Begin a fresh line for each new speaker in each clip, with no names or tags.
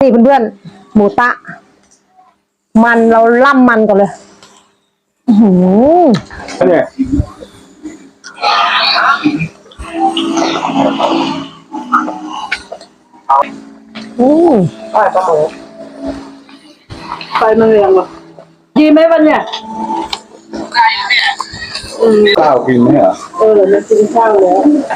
นี่เพื่อนๆหมูตะมันเราล่ำมันก่อนเลย
เนี่ย
อร่อยปะหมู
ไปมันเรียงหรอดีไหมวันเนี่ย
ข้าวกินไหมเหรอ
เรากินข้าวแล้ว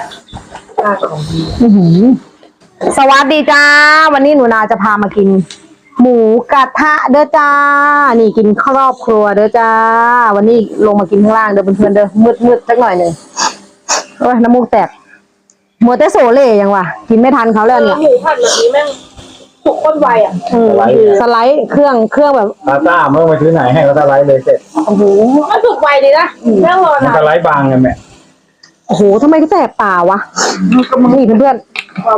สวัสดีจ้าวันนี้หนูนาจะพามากินหมูกระทะเด้อจ้านี่กินครอบครัวเด้อจ้าวันนี้ลงมากินข้างล่างเด้อเพื่อนๆเด้อมืดสักหน่อยหนึ่งโอ้ยน้ำมูกแตกมัวแต่โซเล่ยังวะกินไม่ทันเขาแล้วเนี่ย
หมูผัดแบบนี้แม่งสุกข้นไวอ่ะ
สไลด์เครื่องแบบ
พาต้าเมื่อมาซื้อไหนให้เขาสไลด์เลยเสร็จ
โอ้โห
มันสุกไวเลยนะแม่งรอ
มัน
นะ
สไลด์บางกันแม่
โอ้โหทำไมก็แสบตาวะนี่เพื่อน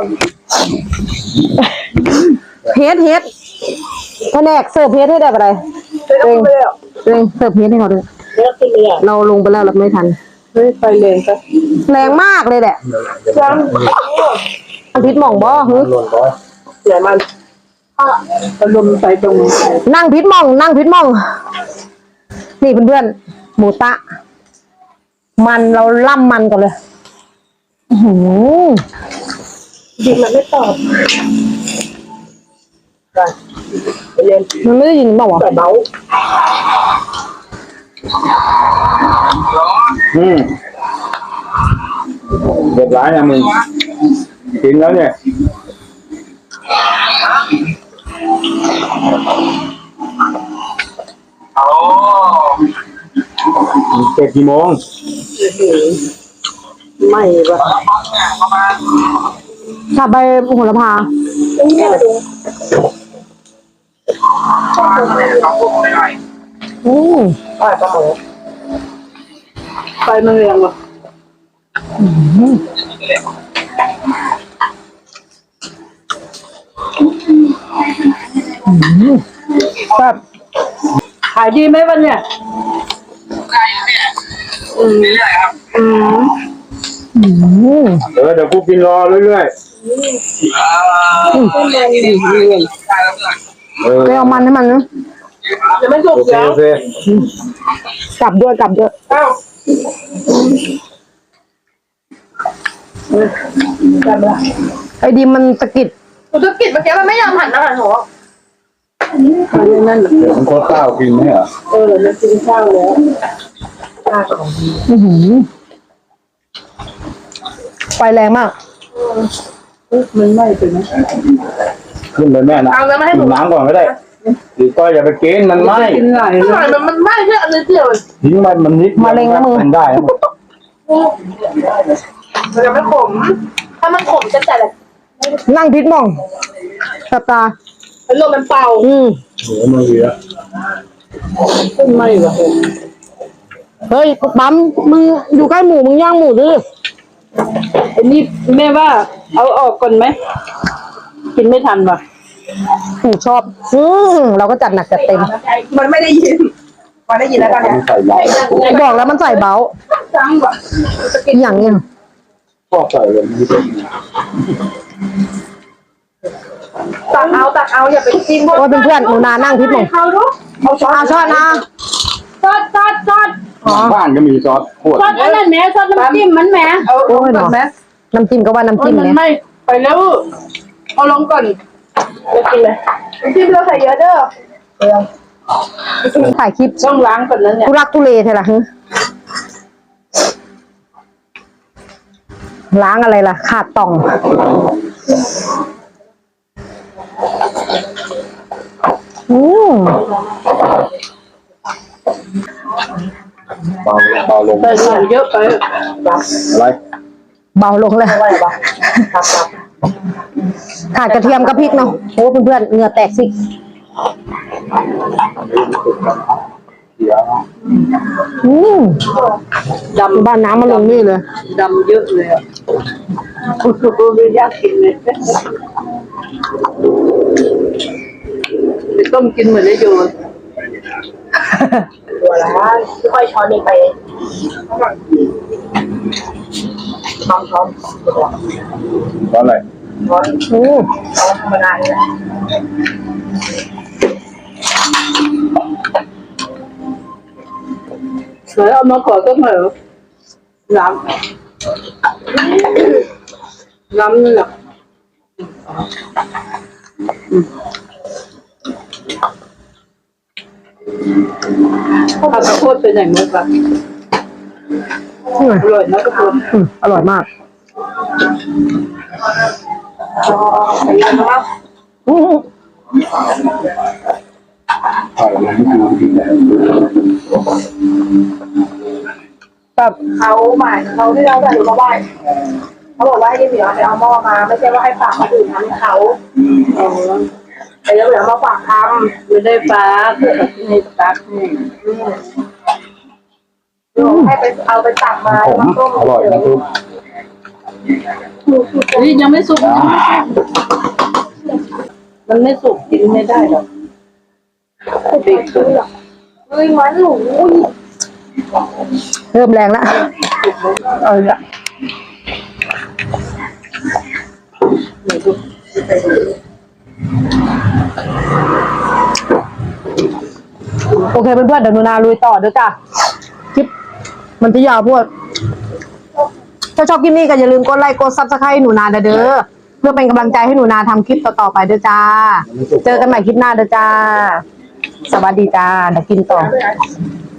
เฮ็ดแผนกเสิร์ฟเฮ็ดให้ได้อะไรเร่งเสิร์ฟเฮ็ดให้เขาด้วยเราลงไปแล้วเราไม่ทัน
ไปแรงไป
แรงมากเลยแหละพิษหม่องบ่ฮึ
เสียมันลมใส่ตรง
นั่งพิษหม่องนี่เพื่อนๆหมูตะมันเราล่ำมันก่อนเลย
ดิมันไม่ตอบ
มันไม่ได้ยินเปล่าวะ
เบา
เดือดร้ายนะมึงกินแล้วเนี่ยเสร็จกี่โมง
ไม่ปะ
กลับไปโหระพา
ไปมันเรียงหรอ
แบบ
ขายดีไหมวันเนี่ย
เดี๋ยวกูกินรอเรื่อย
ไปเอามันให้มันนะ
เดี๋ยวมันสุกแล้ว
กลับด้วยไอ้ดีมันตะกิด
เมื่อกี้มันไม่ยอมหันอาหารหัว
นั่นเดี๋ยวมันโคตรข้าวกินไหมเหรอ
เรากินข้าวแล้ว
ไฟแรงมาก
มันไหม้ไปไหม
ขึ้นเลยแม่นะกินน้ำก่อนก็ได้หรือก็อย่าไปกินมันไหม้
กินไหลมันไหม้แค่อันเดียว
ทิ้งมันนิด
มะเร็งนะมึง
มันได้
มันจะไม่ขมถ้ามันขมจะแต่ละ
นั่งพิษมองตับตา
ลมมันเป่า
โหมันเยอะ
ไม่หรอ
เฮ้ยปั๊มมึงอยู่ใกล้หมูมึงย่างหมูดิ
อันนี้แม่ว่าเอาออกก่อนไหมกินไม่ทันป่ะ
หมูชอบเราก็จัดหนักจัดเต็ม
มันไม่ได้ยินมันได้ยินแล้วตอนนี้
บอกแล้วมันใส่เบา
จังป่ะ
อย่างเงี้ย
ชอบใส่เลย
ตักเอาอย่าไปกิน
โอ้เพื่อนหนูนานั่งพิษมอง
เอา
ช้อนนะ
ซอส
บ้านก็มีซอสขวด
ซอสอันนั้นแม่ซอสน้ำจิ้มมันแม่
โอ้ยเนาะน้ำจิ้มก็ว่าน้ำจิ้มเนี่ย
ไม่ไปแล้วเอาลงก่อนจะกินเลยน้ำจิ้มเราใส่เยอะเด้อ
ถ่ายคลิป
ต้องล้างก่อนนั้นเนี่ย
ทุรักทุเลใช่หรอล้างอะไรล่ะขาดต่อง
เบาลง
ใส่เยอะไป
อะไร
เบาลงเลยขาดกระเทียมกับพริกเนาะโอ้เพื่อนๆเหงื่อแตกสิดำบ้านน้ำมาลงนี่เลย
ดำเยอะเลยอ่ะไม่อยากกินเลยต้มกินเหมือนได้โยนตัวละค่อยช้อนนี้ไปช้อน
เพราะอะไร
ร้อน
อืม
ธรรมดาเลยเสือเอามาขอก็เหมือนล้ำนี่แหละผัดข้าวโพดเป็นไหนมั้งปะอร่อยนะกระปุก
อร่อยมาก
ใส่เยอะมาก
อืม
ถ่ายมันไม่ดูดีเลย
แบบ
เขาหมายเขาที่เราจะมาไหว้เขาบอกว่าให้เหมียวไปเอาหม้อมาไม่ใช่ว่าให้ฝากคนอื่นทำเขาแต่แล้วเหมียวมาฝากทำไม่ได้ฝากให้ฝากให้ไปเอาไปตักมา
ผม
มาต้ม
อร่อยนะทุก
นี่ยังไม่สุกมันไม่สุกกินไม่ได้หรอกเด็กขึ้นหรอกเฮ้ยมันหนู
เริ่มแรงแล้วละโอเคเพื่อนๆเดี๋ยวหนูนาลุยต่อเด้อจ้ะคลิปมันจะยาวพวกถ้าชอบคลิปนี้ก็อย่าลืมกดไลค์กดซับสไครต์หนูนาเด้อเพื่อเป็นกำลังใจให้หนูนาทำคลิปต่อๆไปเด้อจ้า เจอกันใหม่คลิปหน้าเด้อจ้า สวัสดีจ้าเดี๋ยวกินต่อ